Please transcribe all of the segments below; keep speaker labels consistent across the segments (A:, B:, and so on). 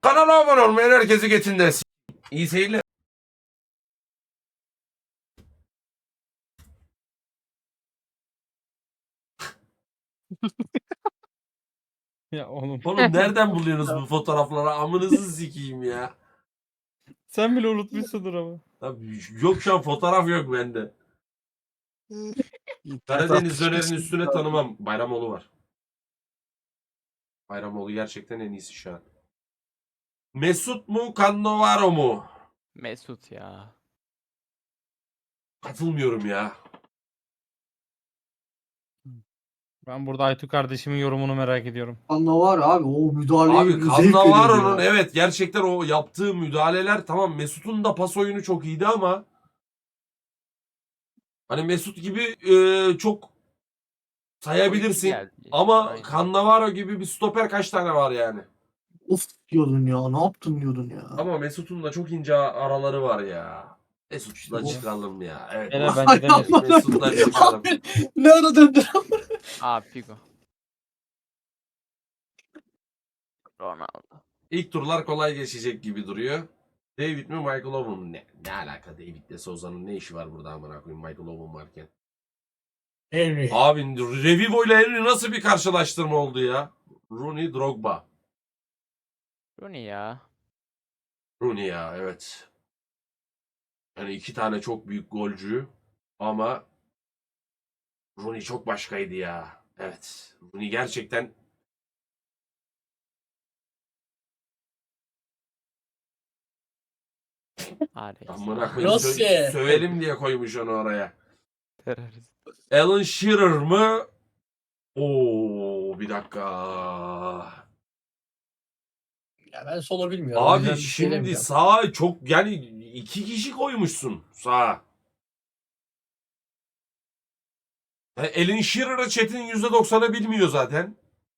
A: Kanala abone olmayan herkesi geçin de İyi seyirler.
B: Ya oğlum.
A: Oğlum nereden buluyorsunuz bu fotoğrafları? Amınızı sikeyim ya.
B: Sen bile unutmuşsundur ama.
A: Abi, yok şu an fotoğraf yok bende. Karadeniz dönerin üstüne tanımam. Bayramoğlu var. Bayramoğlu gerçekten en iyisi şu an. Mesut mu Cannavaro mu?
C: Mesut ya.
A: Katılmıyorum ya.
B: Ben burada Aytu kardeşimin yorumunu merak ediyorum.
D: Anla var abi o müdahaleye
A: Abi
D: zevk veriyordu
A: Cannavaro'nun
D: ya.
A: evet gerçekten o yaptığı müdahaleler tamam, Mesut'un da pas oyunu çok iyiydi ama hani Mesut gibi çok sayabilirsin
C: Geldi.
A: ama
C: Aynen.
A: Cannavaro gibi bir stoper kaç tane var yani?
D: Of diyordun ya, ne yaptın diyordun ya.
A: Ama Mesut'un da çok ince araları var ya. Mesut'la
D: İşte bu.
A: çıkalım ya. Evet.
B: Gene bence de Mesut.
A: Mesut'la çıkalım.
D: Abi, ne ara döndün?
C: Aa Figo. Ronaldo.
A: İlk turlar kolay geçecek gibi duruyor. David mi Michael Owen mu? Ne alaka David'le Souza'nın ne işi var burada amına koyayım Michael Owen varken.
D: Henry.
A: Abi Revivo ile Henry nasıl bir karşılaştırma oldu ya? Rooney Drogba.
C: Rooney ya.
A: Rooney ya evet. Yani iki tane çok büyük golcü ama Rooney çok başkaydı ya. Evet. Rooney gerçekten amına koyayım
D: Nasıl?
A: sövelim diye koymuş onu oraya.
C: Terörist.
A: Alan Shearer mı? Oo bir dakika.
D: Ya ben sola bilmiyorum. o yüzden
A: Abi
D: bir şey
A: şimdi
D: demeyeceğim.
A: sağa çok yani iki kişi koymuşsun sağa. Alan Shearer'ı Çetin %90'ı bilmiyor zaten.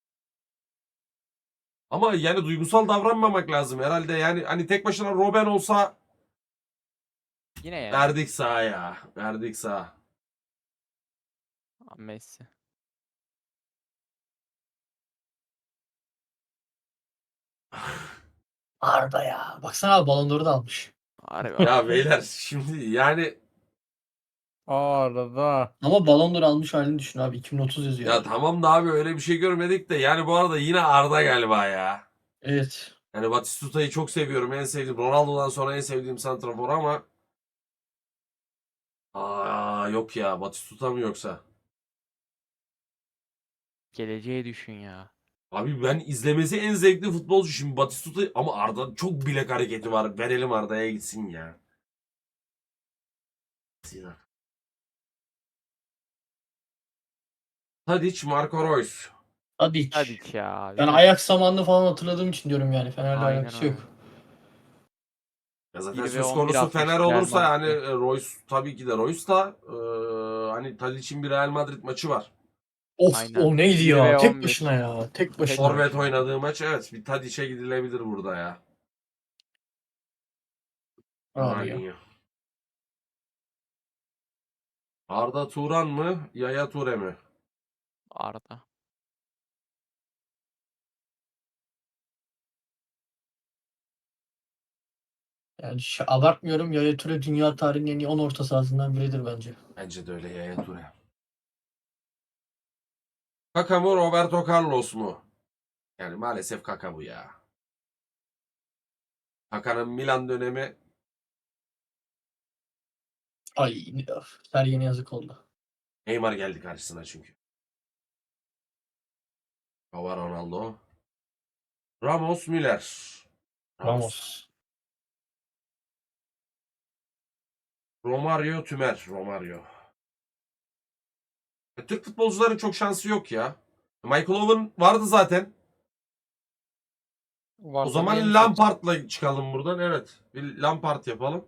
A: Ama yani duygusal davranmamak lazım herhalde. Yani hani tek başına Robben olsa
C: Yine ya.
A: verdik sağa ya. Verdik sağa.
C: Messi.
D: Arda ya. Baksana abi Ballon d'Or'u da almış.
C: Harbi.
A: Ya beyler şimdi yani
B: Arada.
D: Ama Ballon d'Or almış halini düşün abi. 2030 yazıyor.
A: ya tamam da abi öyle bir şey görmedik de yani bu arada yine Arda galiba ya.
D: Evet.
A: Yani Batistuta'yı çok seviyorum. En sevdiğim Ronaldo'dan sonra en sevdiğim santrafor ama yok ya Batistuta mı yoksa?
C: Geleceği düşün ya.
A: Abi ben izlemesi en zevkli futbolcu şimdi Batistuta ama Arda çok bilek hareketi var. Verelim Arda'ya gitsin ya. Tadic, Marco Reus.
D: Hadi hiç.
C: Hadi ya.
D: Ben Ajax zamanını falan hatırladığım için diyorum yani. Fener'le
C: Aynen
D: alakası yok.
C: öyle.
A: Ya zaten
C: 1 ve
A: söz
C: 11
A: konusu
C: atmış
A: Fener
C: Real
A: olursa yani
C: Madrid'de.
A: Reus tabii ki de Reus da hani Tadic'in bir Real Madrid maçı var.
D: Of
C: Aynen.
D: o neydi
C: 1
D: ya?
C: ve
D: Tek
C: 11.
D: başına ya. Tek başına.
A: Forvet oynadığı maç evet bir Tadic'e gidilebilir burada ya.
D: Abi ya.
A: Aynen. Arda Turan mı? Yaya Ture mi?
C: Arda.
D: Yani abartmıyorum. Yaya Toure dünya tarihinin en iyi 10 orta sahasından biridir bence.
A: Bence de öyle Yaya Ture. Kaka mı Roberto Carlos mu? Yani maalesef Kaka bu ya. Kaka'nın Milan dönemi
D: Ay Sergen'e yazık oldu.
A: Neymar geldi karşısına çünkü. Hava Ronaldo. Ramos Müller.
D: Ramos.
A: Romario Tümer. Romario. Türk futbolcuların çok şansı yok ya. Michael Owen vardı zaten. O
B: Varsa
A: zaman
B: yeni
A: Lampard'la çıkalım buradan. Evet. Bir Lampard yapalım.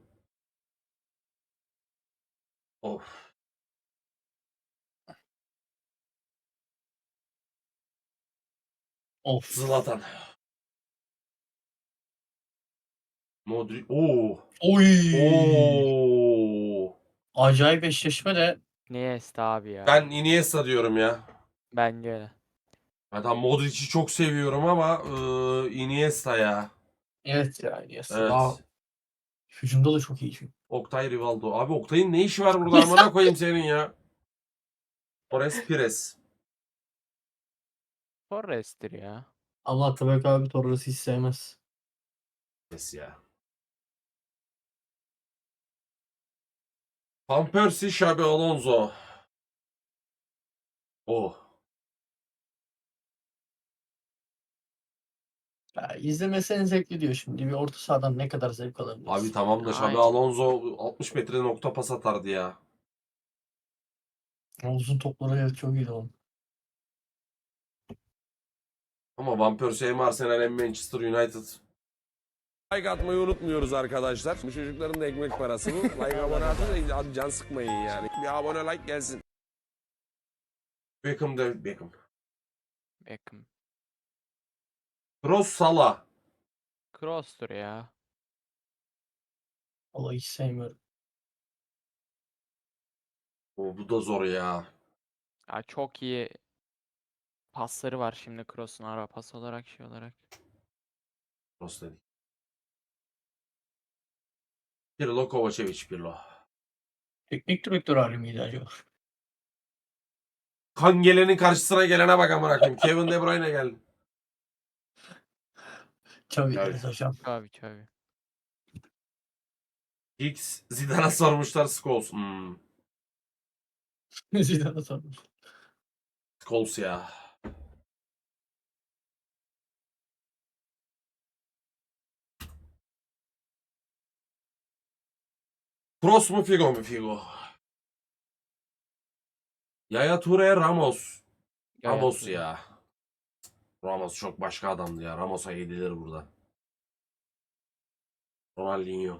A: Of.
D: Of.
A: Zlatan. Modric. Oo.
D: Oy.
A: Oo.
D: Acayip eşleşme de.
C: Iniesta abi ya.
A: Ben Iniesta diyorum ya.
C: Bence öyle.
A: Adam Modric'i çok seviyorum ama Iniesta ya.
D: Evet ya Iniesta.
A: Evet.
D: Daha hücumda da çok iyi çünkü.
A: Oktay Rivaldo. Abi Oktay'ın ne işi var burada amına koyayım senin ya. Torres Pires.
C: Torres'tir ya.
D: Ama Atabek abi Torres'i hiç sevmez.
A: Pires ya. Van Persie, Xabi Alonso. Oh.
D: Ya, izlemesi en zevkli diyor şimdi. Bir orta sahadan ne kadar zevk alabiliriz?
A: Abi tamam da Xabi
C: Aynen.
A: Alonso 60 metre nokta pas atardı ya.
D: O uzun topları evet çok iyiydi onun.
A: Ama Van Persie hem Arsenal hem Manchester United.
E: Like atmayı unutmuyoruz arkadaşlar. Bu çocukların da ekmek parası bu. Like abone atın da hadi can sıkmayın yani. Bir abone like gelsin.
A: Beckham David Beckham.
C: Beckham.
A: Kroos Salah.
C: Kroos'tur ya.
D: Vallahi hiç sevmiyorum.
A: Bu da zor ya.
C: Ya çok iyi pasları var şimdi Kroos'un ara pas olarak şey olarak.
A: Kroos dedik. Pirlo Kovacevic Pirlo.
D: Teknik direktör hali miydi acaba?
A: Kan gelenin karşısına gelene bak amına koyayım. Kevin De Bruyne geldi.
D: Tabii
A: Evet.
D: deriz hocam.
C: Tabii.
A: X Zidane'a sormuşlar Scholes.
D: Zidane'a sormuş.
A: Scholes ya. Kroos mu Figo mu Figo? Yaya Toure Ramos.
C: Yaya
A: Ramos
C: Toure.
A: ya. Ramos çok başka adamdı ya. Ramos'a yedilir burada. Ronaldinho.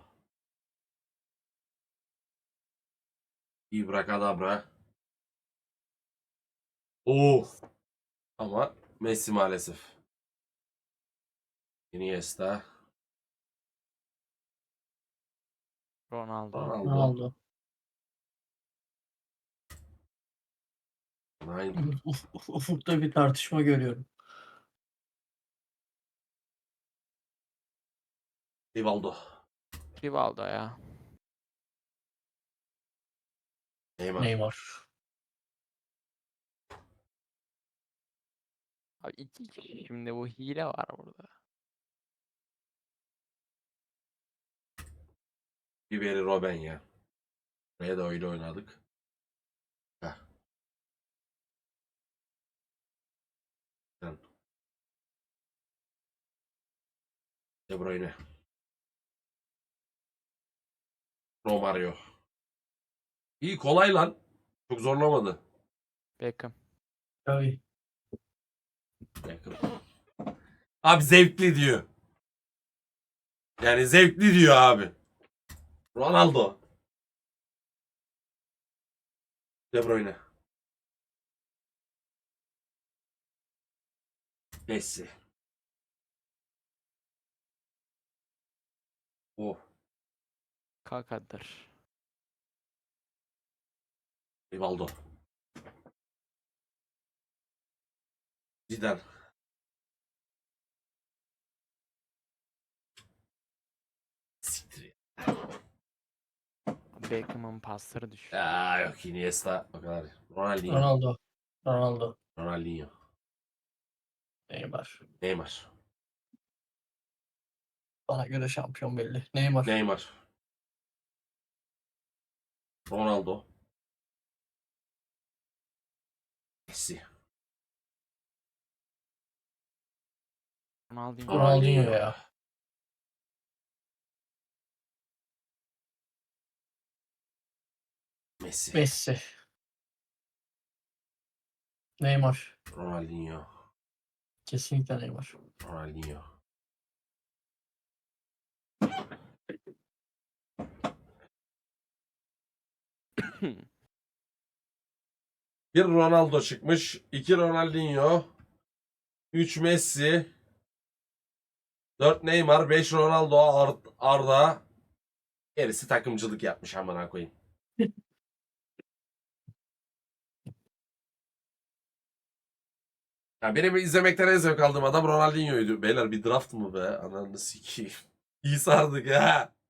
A: Ibrakadabra. Oo. Ama Messi maalesef. Iniesta.
C: Ronaldo.
A: Ronaldo.
D: Ronaldo.
A: Aynen.
D: Ufukta bir tartışma görüyorum.
A: Rivaldo.
C: Rivaldo ya.
A: Neymar.
D: Neymar.
C: Abi iki kişi şimdi bu hile var burada.
A: Ribery Robben ya. Buraya da öyle oynadık. Heh. Sen. De Bruyne. Romario. İyi kolay lan. Çok zorlamadı.
C: Beckham.
D: Tabii.
A: Yakın. Abi zevkli diyor. Yani zevkli diyor abi. Ronaldo. De Bruyne. Messi. Oh.
C: Kaka'dır.
A: Rivaldo. Zidane. Siktir
C: Beckham'ın pasları düşük.
A: ya. Yok Iniesta o kadar. Ronaldinho.
D: Ronaldo. Ronaldo.
A: Ronaldinho.
D: Neymar.
A: Neymar.
D: Bana göre şampiyon belli. Neymar.
A: Neymar. Ronaldo. Messi.
C: Ronaldinho.
D: Ronaldinho ya.
A: Messi.
D: Messi. Neymar.
A: Ronaldinho.
D: Kesinlikle Neymar.
A: Ronaldinho. Bir Ronaldo çıkmış. 2 Ronaldinho. 3 Messi. 4 Neymar. 5 Ronaldo. Arda. Gerisi takımcılık yapmış amına koyayım. Ya benim izlemekten en zevk aldığım adam Ronaldinho'ydu. Beyler bir draft mı be? Ananı sikeyim. İyi sardık ha.